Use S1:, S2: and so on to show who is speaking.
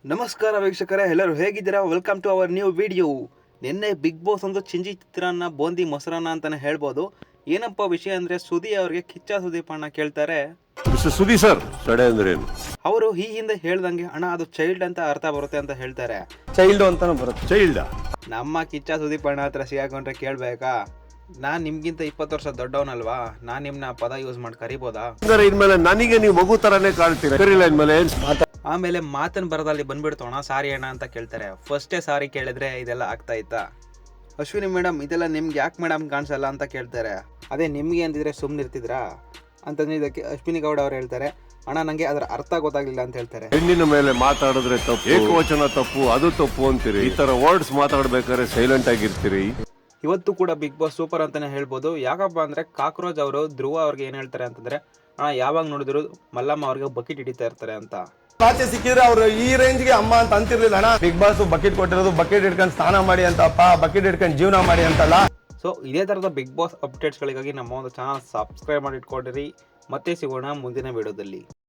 S1: ನಮಸ್ಕಾರ ವೀಕ್ಷಕರೇ, ಎಲ್ಲರೂ ಹೇಗಿದ್ದೀರಾ? Welcome to our new video. ನಿನ್ನೆ ಬಿಗ್ ಬಾಸ್ ಒಂದು ಚಿಂಜಿ ಚಿತ್ರಾನ್ನ ಬೋಂದಿ ಮೊಸರನ್ನ ಅಂತಲೇ ಹೇಳ್ಬೋದು. ಏನಪ್ಪ ವಿಷಯ ಅಂದರೆ, ಸುದಿ ಅವರಿಗೆ ಕಿಚ್ಚ ಸುದೀಪ್ ಅಣ್ಣ ಕೇಳ್ತಾರೆ,
S2: ಸುದಿ ಸರ್ ತಡೆ ಅಂದ್ರೆ ಏನು?
S1: ಅವರು ಈ ಹಿಂದೆ ಹೇಳ್ದಂಗೆ ಅಣ್ಣ ಅದು ಚೈಲ್ಡ್ ಅಂತ ಅರ್ಥ ಬರುತ್ತೆ ಅಂತ ಹೇಳ್ತಾರೆ.
S3: ಚೈಲ್ಡ್ ಅಂತಾನು ಬರುತ್ತೆ.
S2: ಚೈಲ್ಡ
S1: ನಮ್ಮ ಕಿಚ್ಚ ಸುದೀಪ್ ಅಣ್ಣ ಹತ್ರ ಸಿಗಾಕೊಂಡ್ರೆ ಕೇಳಬೇಕಾ? ನಾನು ನಿಮ್ಗಿಂತ 20 ವರ್ಷ ದೊಡ್ಡವನಲ್ವಾ? ನಾನು ನಿಮ್ಮನ್ನ ಪದ ಯೂಸ್ ಮಾಡಿ ಕರಿಬೋದಾ?
S2: ಇನ್ಮೇಲೆ ನನಗೆ ನೀವು ಮಗು ತರಾನೇ ಕಾಣ್ತೀರಾ. ಕರೀಲ ಇನ್ಮೇಲೆ
S1: ಆಮೇಲೆ ಮಾತನ್ ಬರದಲ್ಲಿ ಬಂದ್ಬಿಡ್ತೋಣ ಸಾರಿ ಅಣ್ಣ ಅಂತ ಕೇಳ್ತಾರೆ. ಫಸ್ಟೇ ಸಾರಿ ಕೇಳಿದ್ರೆ ಇದೆಲ್ಲ ಆಗ್ತಾ ಇತ್ತಾ? ಅಶ್ವಿನಿ ಮೇಡಮ್, ಇದೆಲ್ಲ ನಿಮ್ಗೆ ಯಾಕೆ ಮೇಡಮ್ ಕಾಣಿಸಲ್ಲ ಅಂತ ಕೇಳ್ತಾರೆ. ಅದೇ ನಿಮಗೆ ಅಂತಿದ್ರೆ ಸುಮ್ಮನಿರ್ತಿದ್ರಾ ಅಂತಂದ್ರೆ ಇದಕ್ಕೆ ಅಶ್ವಿನಿ ಗೌಡ ಅವ್ರು ಹೇಳ್ತಾರೆ, ಅಣ್ಣ ನನಗೆ ಅದರ ಅರ್ಥ ಗೊತ್ತಾಗ್ಲಿಲ್ಲ ಅಂತ ಹೇಳ್ತಾರೆ.
S2: ಹೆಣ್ಣಿನ ಮೇಲೆ ಮಾತಾಡಿದ್ರೆ ತಪ್ಪು, ಏಕವಚನ ತಪ್ಪು, ಅದು ತಪ್ಪು ಅಂತೀರಿ. ಈ ತರ ವರ್ಡ್ಸ್ ಮಾತಾಡ್ಬೇಕಾದ್ರೆ ಸೈಲೆಂಟ್ ಆಗಿರ್ತೀರಿ.
S1: ಇವತ್ತು ಕೂಡ ಬಿಗ್ ಬಾಸ್ ಸೂಪರ್ ಅಂತಾನೆ ಹೇಳ್ಬೋದು. ಯಾಕಪ್ಪ ಅಂದ್ರೆ ಕಾಕ್ರೋಚ್ ಅವರು ಧ್ರುವ ಅವ್ರಿಗೆ ಏನ್ ಹೇಳ್ತಾರೆ ಅಂತಂದ್ರೆ, ಅಣ್ಣ ಯಾವಾಗ ನೋಡಿದ್ರು ಮಲ್ಲಮ್ಮ ಅವ್ರಿಗೆ ಬಕೆಟ್ ಹಿಡಿತಾ ಇರ್ತಾರೆ ಅಂತ.
S3: ಆಚೆ ಸಿಕ್ಕಿದ್ರೆ ಅವ್ರು ಈ ರೇಂಜ್ಗೆ ಅಮ್ಮ ಅಂತ ಅಂತಿರ್ಲಿಲ್ಲ ಅಣ್ಣ. ಬಿಗ್ ಬಾಸ್ ಬಕೆಟ್ ಕೊಟ್ಟಿರೋದು ಬಕೆಟ್ ಇಟ್ಕೊಂಡು ಸ್ನಾನ ಮಾಡಿ ಅಂತಪ್ಪ, ಬಕೆಟ್ ಇಟ್ಕೊಂಡು ಜೀವನ ಮಾಡಿ ಅಂತಲ್ಲ.
S1: ಸೊ ಇದೇ ತರದ ಬಿಗ್ ಬಾಸ್ ಅಪ್ಡೇಟ್ಸ್ಗಳಿಗಾಗಿ ನಮ್ಮ ಒಂದು ಚಾನಲ್ ಸಬ್ಸ್ಕ್ರೈಬ್ ಮಾಡಿ ಇಟ್ಕೊಂಡಿರಿ. ಮತ್ತೆ ಸಿಗೋಣ ಮುಂದಿನ ವಿಡಿಯೋದಲ್ಲಿ.